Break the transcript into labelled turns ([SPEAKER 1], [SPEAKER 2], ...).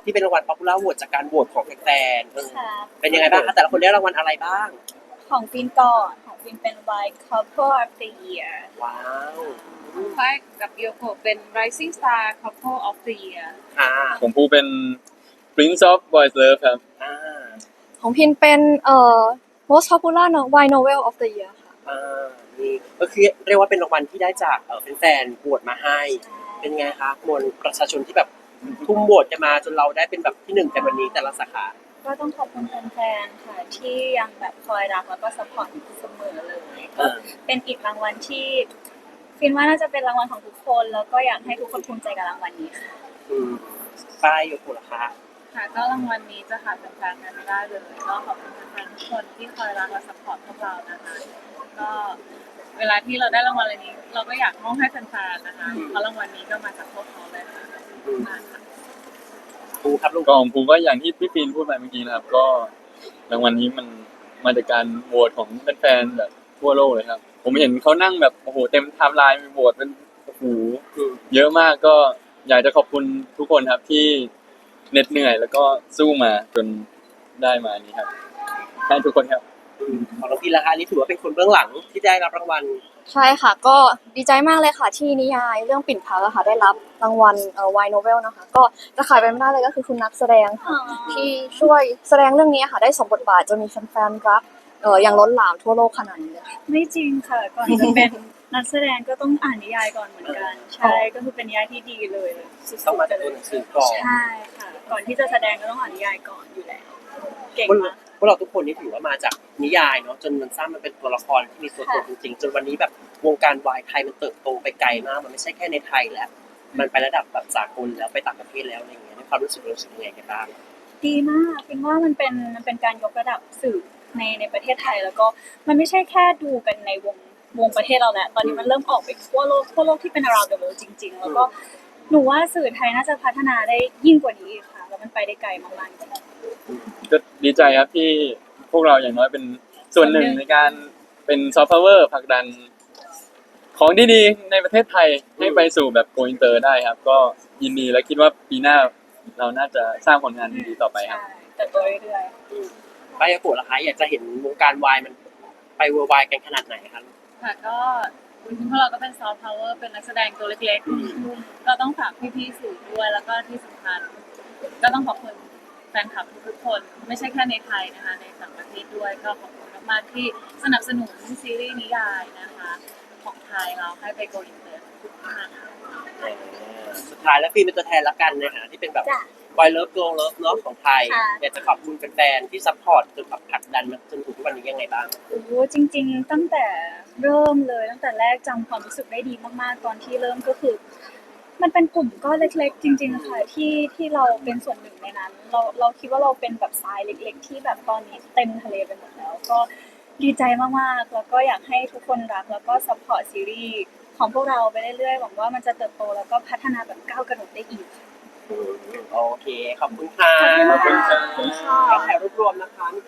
[SPEAKER 1] ที่เป็นรางวัล Popular Vote จากการโหวตของแฟนๆ
[SPEAKER 2] ค่ะ
[SPEAKER 1] เป็นยังไงบ้างคะแต่ละคนได้รางวัลอะไรบ้าง
[SPEAKER 2] ของฟินก่อนของฟินเป็น White Couple of the Year
[SPEAKER 1] ว้าว
[SPEAKER 3] ของฝ้ายกับโยโกะเป็น Rising Star Couple of the Year
[SPEAKER 1] ค่ะ
[SPEAKER 4] ของภูเป็น Prince of Boys Love ครับ
[SPEAKER 1] อ่า
[SPEAKER 5] ของพินเป็นmost popular wine novel of the year ค่ะ
[SPEAKER 1] นี่ก็คือเรียกว่าเป็นรางวัลที่ได้จากแฟนๆโหวตมาให้ เป็นไงคะมวลประชาชนที่แบบทุ่มโหวตกันมาจนเราได้เป็นแบบที่หนึ่งกันวันนี้แต่ละสาขา
[SPEAKER 2] ก็ต้องขอบคุณแฟนๆค่ะที่ยังแบบคอยรักแล้วก็สปอร์ตเสมอเลยก็เป็นอีกรางวัลที่ฟินว่าน่าจะเป็นรางวัลของทุกคนแล้วก็อยากให้ทุกคนภูมิใจกับรางวัลนี้ค่ะ
[SPEAKER 1] ป้ายอยู่คุณราคา
[SPEAKER 3] ค่ะก็รางวัลนี้จะขาดแฟนๆกันไม่ได้เลยก็ขอบคุณแฟนๆทุกคนที่คอยรักและสปอร์ตพวกเรานะคะก็เวลาที่เราได้รางวัลอะไรนี้ เราก็อยากมอบให้แฟนๆนะคะเพราะรางวัลนี้ก็มาจากพวกเขาเลยค่ะมาค่ะ
[SPEAKER 1] ภูครับลูก
[SPEAKER 4] ก็ของภูก็อย่างที่พี่ปีนพูดไปเมื่อกี้นะครับ ก็รางวัลนี้มันมาจากการโหวตของแฟนๆแบบทั่วโลกเลยครับ ผมเห็นเขานั่งแบบโอ้โหเต็มไทม์ไลน์มีโหวตเป็นโอ้โหเยอะมากก็อยากจะขอบคุณทุกคนครับที่เหน็ดเหนื่อยแล้วก็สู้มาจนได้มานี้ครับให้ทุกคนครับ
[SPEAKER 1] ของน้องพีราคานี่ถือว่าเป็นคนเบื้องหลังที่ได้รับรางวัล
[SPEAKER 5] ใช่ค่ะ ก็ดีใจมากเลยค่ะที่นิยายเรื่องปิ่นพักอะค่ะได้รับรางวัลwine novel นะคะ ก็จะขายไปไม่ได้เลยก็คือคุณนักแสดงค่ะที่ช่วยแสดงเรื่องนี้ค่ะได้สมบทบาทจนมีแฟนๆรักอย่างล้นหลามทั่วโลกขนาดนี้เลยค่ะ
[SPEAKER 2] ไม่จริงค่ะ ก่อนจะเป็นนักแสดงก็ต้องอ่านนิยายก่อนเหมือนกัน ใช่ก็คือเป็นนิยายที่ดีเลยสุดๆ
[SPEAKER 1] ต้องมาจากตัวหนังสือก่อน
[SPEAKER 2] ใช่ค่ะ ก่อนที่จะแสดงก็ต้องอ่านนิยายก่อนอยู่แล้ว เก่งมาก
[SPEAKER 1] พวกเราทุกคนนี่ถือว่ามาจากนิยายเนาะจนมันสร้างมันเป็นตัวละครที่มีตัวตนจริงๆจนวันนี้แบบวงการวายไทยมันเติบโตไปไกลมากมันไม่ใช่แค่ในไทยแล้ว มันไประดับแบบสากลแล้วไปต่างประเทศแล้วอะไรอย่างเงี้ยในความรู้สึกยังไงกันบ้าง
[SPEAKER 2] ดีมากคิดว่ามันเป็นการยกระดับสื่อในประเทศไทยแล้วก็มันไม่ใช่แค่ดูกันในวงประเทศเราแหละตอนนี้มันเริ่มออกไปทั่วโลกที่เป็น around the world จริงๆ แล้วก็หนูว่าสื่อไทยน่าจะพัฒนาได้ยิ่งกว่านี้อีกค่ะแล้วมันไปได้ไกลมากๆจริง
[SPEAKER 4] ก็ดีใจครับที่พวกเราอย่างน้อยเป็นส่วนหนึ่งในการเป็นซอฟต์พาวเวอร์ผลักดันของดีๆในประเทศไทยให้ไปสู่แบบโกอินเตอร์ได้ครับ ก็ยินดีและคิดว่าปีหน้าเราน่าจะสร้างผลงานที่ดีต่อไปครับ
[SPEAKER 2] ใช่แต่ตัวเรื่อย
[SPEAKER 1] ป้ายาโกะล่ะคะอยากจะเห็นวงการวายมันไปเวอร์ไวกันขนาดไหนคะ
[SPEAKER 3] ค่ะก็พวกเราก็เป็นซอฟต์พาวเวอร์เป็นนักแสดงตัวเล็กๆก็ต้องฝากพี่ๆสื่อด้วยแล้วก็ที่สำคัญก็ต้องขอบคุณแฟนคลับทุกๆคนไม่ใช่แค่ในไทยนะคะในต่างประเทศด้วยก็ขอบคุณมากๆที่สนับสนุนซีรีส์นิยายนะคะของไทยเราให้ไปโกอินเตอร์ทุกๆค่ะ
[SPEAKER 1] สุดท้ายแล้วฟีเป็นตัวแทนละกันในฐานะที่เป็นแบบ
[SPEAKER 2] ๆจ้ะ
[SPEAKER 1] วายเลิฟโกลเลิฟเนาะของไทย
[SPEAKER 2] ค่ะ
[SPEAKER 1] อยากจะขอบคุณแฟนๆที่ซัพพอร์ตจนแบบผลักดันมาจนถึงทุกวันนี้ยังไงบ้าง
[SPEAKER 2] โอ้โหจริงๆตั้งแต่เริ่มเลยตั้งแต่แรกจำความรู้สึกได้ดีมากๆตอนที่เริ่มก็คือ มันเป็นกลุ่มก้อนเล็กๆ จริงๆค่ะที่เราเป็นส่วนหนึ่งในนั้น เราคิดว่าเราเป็นแบบทรายเล็กๆ ที่แบบตอนนี้เต็มทะเลไปหมดแล้ว ก็ดีใจมากๆแล้วก็อยากให้ทุกคนรักแล้วก็ซัพพอร์ตซีรีส์ของพวกเราไปเรื่อยๆหวังว่ามันจะเติบโตแล้วก็พัฒนาแบบก้าวกระโดดได้อีกค่ะ
[SPEAKER 1] โอเค ขอบคุณค่ะ
[SPEAKER 2] ขอบคุณค่ะ
[SPEAKER 1] ถ่ายรวบรวมนะคะ